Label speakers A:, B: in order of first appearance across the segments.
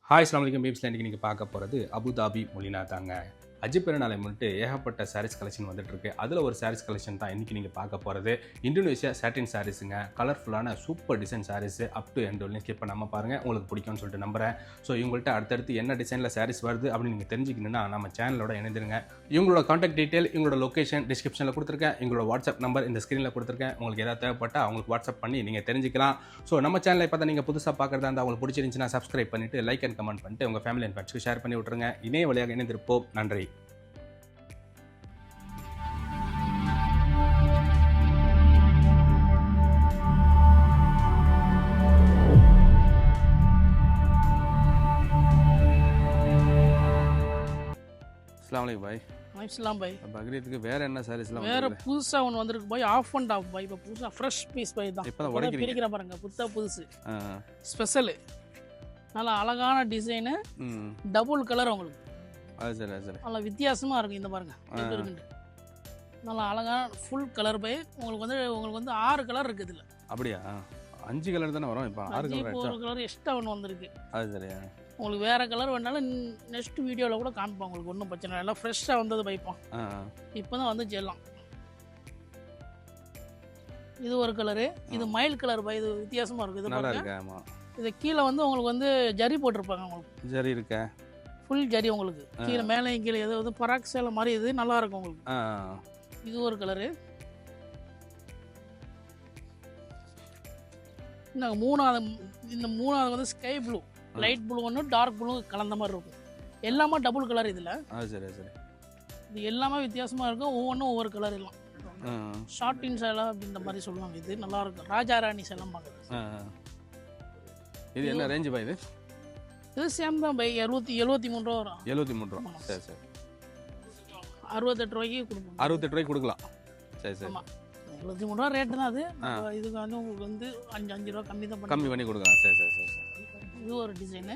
A: Hi அஸ்ஸலாமு அலைக்கும் பீப்ஸ்ல இன்றைக்கி நீங்கள் பார்க்க போகிறது அபுதாபி மொழினா தாங்க. ஹஜ் பெருநாளை முன்னிட்டு ஏகப்பட்ட சாரீஸ் கலெக்ஷன் வந்துட்டுருக்கு. அதில் ஒரு சாரீஸ் கலெக்ஷன் தான் இன்றைக்கி நீங்கள் பார்க்க போகிறது. இந்தோனேஷியா சாட்டின் சாரீஸுங்க. கலர்ஃபுல்லான super design saris up to end வரலையும் ஸ்கிப் பண்ணாமல் பாருங்கள், உங்களுக்கு பிடிக்கும்னு சொல்லிட்டு நம்புகிறேன். ஸோ இவங்கள்ட்ட அடுத்தடுத்து என்ன டிசைனில் சாரீஸ் வருது அப்படின்னு நீங்கள் தெரிஞ்சுக்கணுன்னா நம்ம சேனலோட இணைந்துருங்க. இவங்களோட காண்டாக்ட் டீட்டெயில், இவங்களோட லொக்கேஷன் டிஸ்கிரிப்ஷனில் கொடுத்துருக்கேன். இவங்களோட வாட்ஸ்அப் நம்பர் இந்த ஸ்க்ரீனில் கொடுத்துருக்கேன். உங்களுக்கு ஏதாவது தேவைப்பட்டால் அவங்களுக்கு வாட்ஸ்அப் பண்ணி நீங்கள் தெரிஞ்சுக்கலாம். ஸோ நம்ம சேனலை பார்த்தா நீங்கள் புதுசாக பார்க்குறதா இருந்தால் அவங்களுக்கு பிடிச்சிருந்துச்சுன்னா சப்ஸ்கிரைப் பண்ணிவிட்டு லைக் அண்ட் கமெண்ட் பண்ணிட்டு உங்கள் ஃபேமிலி அண்ட் ஃப்ரெண்ட்ஸ்க்கு ஷேர் பண்ணி விட்ருங்க. இணைய வழியாக இணைந்திருப்போம். நன்றி. அஸ்ஸலாமு பாய்.
B: வாங்கிக்கலாம் பாய்.
A: பக்ரீத்துக்கு வேற என்ன சாரீஸ்லாம்
B: வேற புதுசா ஒன்று வந்திருக்கு பாய். ஆஃப் அண்ட் ஆஃப் பாய். இப்போ புதுசா ஃப்ரெஷ் பீஸ் பாய் தான்.
A: இப்போ தான்
B: பிரிக்கிற பாருங்க, புதுசு ஸ்பெஷல். நல்லா அழகான டிசைனு, டபுள் கலர் உங்களுக்கு.
A: சரி
B: நல்லா வித்தியாசமா இருக்கும். இந்த பாருங்க இருக்குண்டு நல்லா அழகான ஃபுல் கலர் பாய். உங்களுக்கு வந்து 6 கலர் இருக்கு இதுல.
A: அப்படியா? 5 கலர் தானே வரும். இப்போ 6 கலர்,
B: ஒரு கலர் எக்ஸ்ட்ரா ஒன்று வந்திருக்கு.
A: அது சரியா?
B: உங்களுக்கு வேறு கலர் வேணாலும் நெக்ஸ்ட் வீடியோவில் கூட காமிப்போம். உங்களுக்கு ஒன்றும் பிரச்சனை இல்லை. எல்லாம் ஃப்ரெஷ்ஷாக வந்தது பைப்போம். இப்போ தான் வந்து ஜெல்லாம். இது ஒரு கலரு, இது மயில் கலர் பை. இது வித்தியாசமாக இருக்குது. இது பாருங்க. இது கீழே வந்து உங்களுக்கு வந்து ஜரி போட்டிருப்பாங்க. உங்களுக்கு
A: ஜரி இருக்கா? ஃபுல்
B: ஜரி உங்களுக்கு கீழே மேலேயும் கீழே. எது வந்து பராக் சேலை மாதிரி இது நல்லா இருக்கும் உங்களுக்கு. இது ஒரு கலரு. இந்த மூணாவது வந்து ஸ்கை ப்ளூ, லைட் ப்ளூ ஒன்று, டார்க் ப்ளூ கலந்த மாதிரி இருக்கும். எல்லாமே டபுள் கலர் இதில்.
A: சரி.
B: இது எல்லாமே வித்தியாசமாக இருக்கும். ஒவ்வொன்றும் ஒவ்வொரு கலர் எல்லாம். ஷார்ட்டின் சேலை அப்படின்ற மாதிரி சொல்லுவாங்க. இது நல்லா இருக்கும். ராஜா ராணி சேலம் பார்க்குறது.
A: இது என்ன ரேஞ்சு பாய்?
B: இது சேம் தான் பை. 73 ரூபா வரும்.
A: 73 ரூபா. சரி.
B: 68 ரூபாய்க்கு கொடுப்போம்.
A: 68 ரூபாய்க்கு கொடுக்கலாம். சரி.
B: ஆமாம், 73 ரூபா ரேட்டு தான் அது. இதுக்கு வந்து உங்களுக்கு வந்து 5 ரூபா கம்மி பண்ணி
A: கொடுக்கலாம். சரி.
B: இது ஒரு டிசைனு.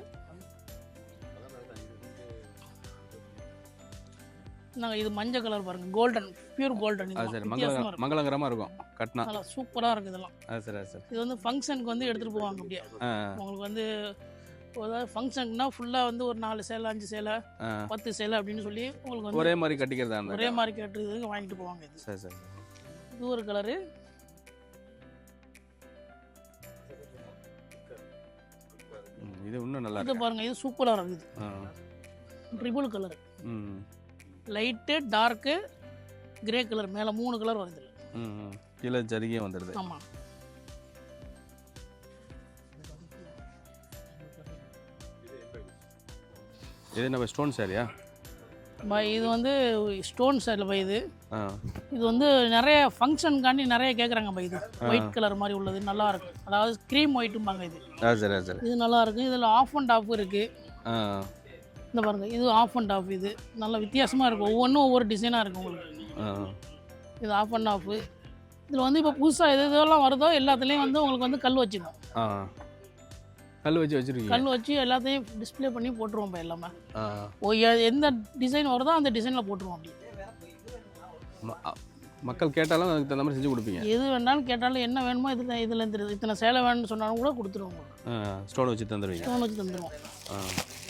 B: நாங்கள் இது மஞ்சள் கலர் பாருங்க, கோல்டன், பியூர் கோல்டன்.
A: மங்களகரமாக இருக்கும். கட்டினா
B: நல்லா சூப்பராக இருக்குது இதெல்லாம்.
A: சரி.
B: இது வந்து ஃபங்க்ஷனுக்கு வந்து எடுத்துகிட்டு போவாங்க. அப்படியே உங்களுக்கு வந்து ஏதாவது ஃபங்க்ஷனுக்குனா ஃபுல்லாக வந்து ஒரு 4 சேலை, 5 சேலை, 10 சேலை அப்படின்னு சொல்லி உங்களுக்கு வந்து
A: ஒரே மாதிரி கட்டிக்கிறதா,
B: ஒரே மாதிரி கட்டுறதுக்கு வாங்கிட்டு போவாங்க. இது
A: சரி.
B: இது ஒரு கலரு.
A: இது இன்னும் நல்லா
B: இது பாருங்க, இது சூப்பராக இருக்குது. Triple colour, light, dark, grey colour, மேலே 3 கலர் வருது.
A: கீழே ஜரிகே வந்துடுது.
B: ஆமாம்.
A: இது என்ன ஸ்டோன் சாரியா
B: பாய்? இது வந்து ஸ்டோன் சாரியில் பாய். இது வந்து நிறைய ஃபங்க்ஷனுக்காண்டி நிறைய கேட்குறாங்க பாய். இது ஒயிட் கலர் மாதிரி உள்ளது நல்லா இருக்கும். அதாவது க்ரீம் ஒயிட்டும்பாங்க இது.
A: சரி. இது
B: நல்லா இருக்குது. இதில் ஆஃப் அண்ட் ஆஃப் இருக்குது. இந்த பாருங்க, இது ஆஃப் அண்ட் ஆஃப். இது நல்லா வித்தியாசமாக இருக்கும். ஒவ்வொன்றும் ஒவ்வொரு டிசைனாக இருக்கும் உங்களுக்கு. இது ஆஃப் அண்ட் ஆஃப். இதில் வந்து இப்போ புதுசாக இதெல்லாம் வருதோ எல்லாத்துலேயும் வந்து உங்களுக்கு வந்து கல் வச்சுக்கணும்.
A: கல் வச்சு
B: எல்லாத்தையும் டிஸ்பிளே பண்ணி போட்டுருவோம் இப்போ எல்லாமே. எந்த டிசைன் வருதோ அந்த டிசைனில் போட்டுருவோம். அப்படி
A: மக்கள் கேட்டாலும் அதுக்கு தகுந்த மாதிரி செஞ்சு கொடுப்பீங்க.
B: எது வேணாலும் கேட்டாலும் என்ன வேணுமோ இதில் இத்தனை சேலை வேணும்னு சொன்னாலும் கூட கொடுத்துருவோம்.
A: ஸ்டோன் வச்சு தந்துடுவோம்.